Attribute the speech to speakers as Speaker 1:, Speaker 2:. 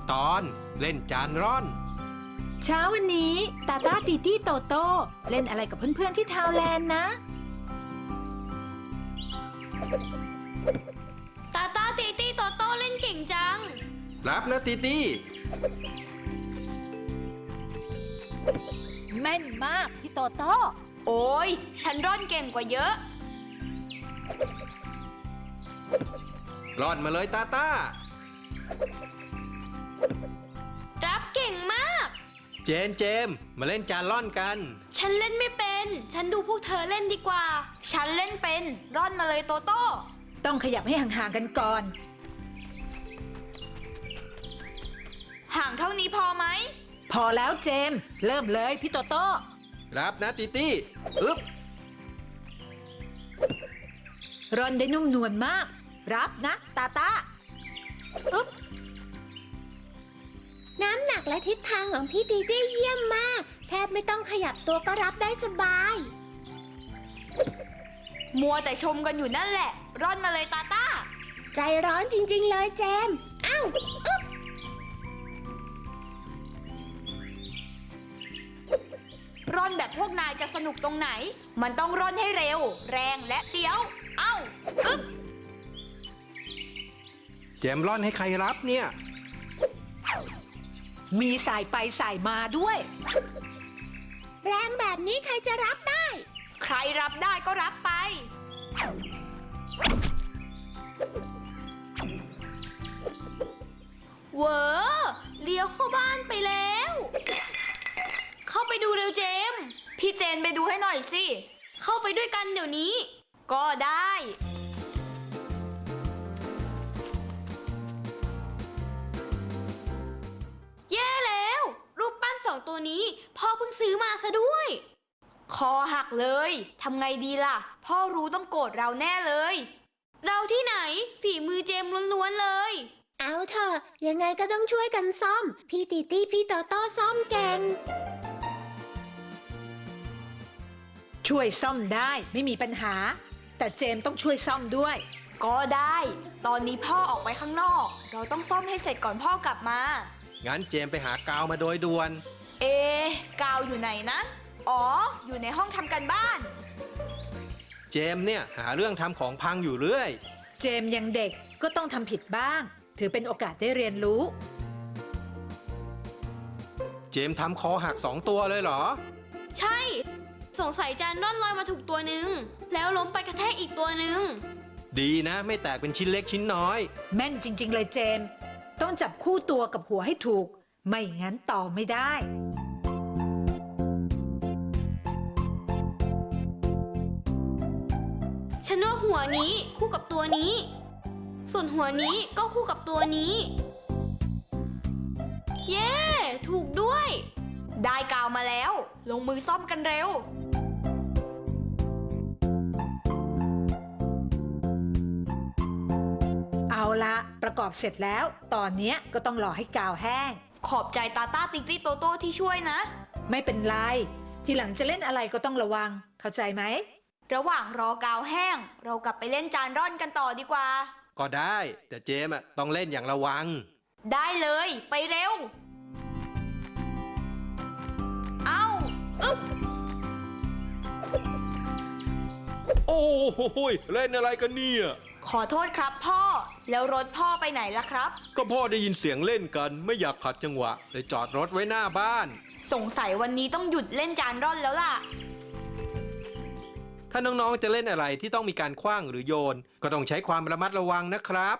Speaker 1: ตอนเล่นจานร่อน
Speaker 2: เช้าวันนี้ตาตาตีตี้โตโต้เล่นอะไรกับเพื่อนๆที่ทาวแลนด์นะ
Speaker 3: ตาตาตีตี้โตโต้เล่นเก่งจัง
Speaker 1: รับนะตีตี้
Speaker 2: แม่นมากพี่โตโต้
Speaker 3: โอ้ยฉันร่อนเก่งกว่าเยอะ
Speaker 1: ร่อนมาเลยตาตา
Speaker 3: รับเก่งมาก
Speaker 1: เจมมาเล่นจานร่อนกัน
Speaker 3: ฉันเล่นไม่เป็นฉันดูพวกเธอเล่นดีกว่าฉันเล่นเป็นร่อนมาเลยโตโต้
Speaker 2: ต้องขยับให้ห่างๆกันก่อน
Speaker 3: ห่างเท่านี้พอไหม
Speaker 2: พอแล้วเจมเริ่มเลยพี่โตโต้
Speaker 1: รับนะตีตี้อึ๊บ
Speaker 2: ร่อนได้นุ่มนวลมากรับนะตาตาอึ๊บ
Speaker 4: น้ำหนักและทิศทางของพี่ตีตี้เยี่ยมมากแทบไม่ต้องขยับตัวก็รับได้สบาย
Speaker 3: มัวแต่ชมกันอยู่นั่นแหละร่อนมาเลยตาต้า
Speaker 4: ใจร้อนจริงๆเลยเจมอ้าวอึ๊บ
Speaker 3: ร่อนแบบพวกนายจะสนุกตรงไหนมันต้องร่อนให้เร็วแรงและเดี๋ยวเอ้าอึ๊บ
Speaker 1: เจมร่อนให้ใครรับเนี่ย
Speaker 2: มีสายไปสายมาด้วย
Speaker 4: แรงแบบนี้ใครจะรับได้
Speaker 3: ใครรับได้ก็รับไปเวอเลี้ยวเข้าบ้านไปแล้วเข้าไปดูเร็วเจมพี่เจนไปดูให้หน่อยสิเข้าไปด้วยกันเดี๋ยวนี้ก็ได้แย่แล้วรูปปั้น2ตัวนี้พ่อเพิ่งซื้อมาซะด้วยคอหักเลยทำไงดีล่ะพ่อรู้ต้องโกรธเราแน่เลยเราที่ไหนฝีมือเจมล้วนๆเลย
Speaker 4: เอาเถอะยังไงก็ต้องช่วยกันซ่อมพี่ตีตี้พี่โตโต้ซ่อมเก่ง
Speaker 2: ช่วยซ่อมได้ไม่มีปัญหาแต่เจมต้องช่วยซ่อมด้วย
Speaker 3: ก็ได้ตอนนี้พ่อออกไปข้างนอกเราต้องซ่อมให้เสร็จก่อนพ่อกลับมา
Speaker 1: งั้นเจมไปหากาวมาโดยด่วน
Speaker 3: กาวอยู่ไหนนะอ๋ออยู่ในห้องทำการบ้าน
Speaker 1: เจมเนี่ยหาเรื่องทำของพังอยู่เรื่อย
Speaker 2: เจมยังเด็กก็ต้องทำผิดบ้างถือเป็นโอกาสได้เรียนรู้
Speaker 1: เจมทำคอหัก2 ตัวเลยเหรอ
Speaker 3: ใช่สงสัยจานร่อนลอยมาถูกตัวหนึ่งแล้วล้มไปกระแทกอีกตัวหนึ่ง
Speaker 1: ดีนะไม่แตกเป็นชิ้นเล็กชิ้นน้อย
Speaker 2: แม่นจริงๆเลยเจมต้องจับคู่ตัวกับหัวให้ถูกไม่งั้นต่อไม่ได้
Speaker 3: ฉันว่าหัวนี้คู่กับตัวนี้ส่วนหัวนี้ก็คู่กับตัวนี้เย้ถูกด้วยได้กาวมาแล้วลงมือซ่อมกันเร็ว
Speaker 2: เอาละประกอบเสร็จแล้วตอนนี้ก็ต้องรอให้กาวแห้ง
Speaker 3: ขอบใจตาต้าติ๊กตี้โตโต้ที่ช่วยนะ
Speaker 2: ไม่เป็นไรทีหลังจะเล่นอะไรก็ต้องระวังเข้าใจไหม
Speaker 3: ระหว่างรอกาวแห้งเรากลับไปเล่นจานร่อนกันต่อดีกว่า
Speaker 1: ก็ได้แต่เจมต้องเล่นอย่างระวัง
Speaker 3: ได้เลยไปเร็วเอาอึ๊บ
Speaker 1: โอ้โหเล่นอะไรกันเนี่ย
Speaker 3: ขอโทษครับพ่อแล้วรถพ่อไปไหนล่ะครับ
Speaker 1: ก็พ่อได้ยินเสียงเล่นกันไม่อยากขัดจังหวะเลยจอดรถไว้หน้าบ้าน
Speaker 3: สงสัยวันนี้ต้องหยุดเล่นจานร่อนแล้วล่ะ
Speaker 1: ถ้าน้องๆจะเล่นอะไรที่ต้องมีการขว้างหรือโยนก็ต้องใช้ความระมัดระวังนะครับ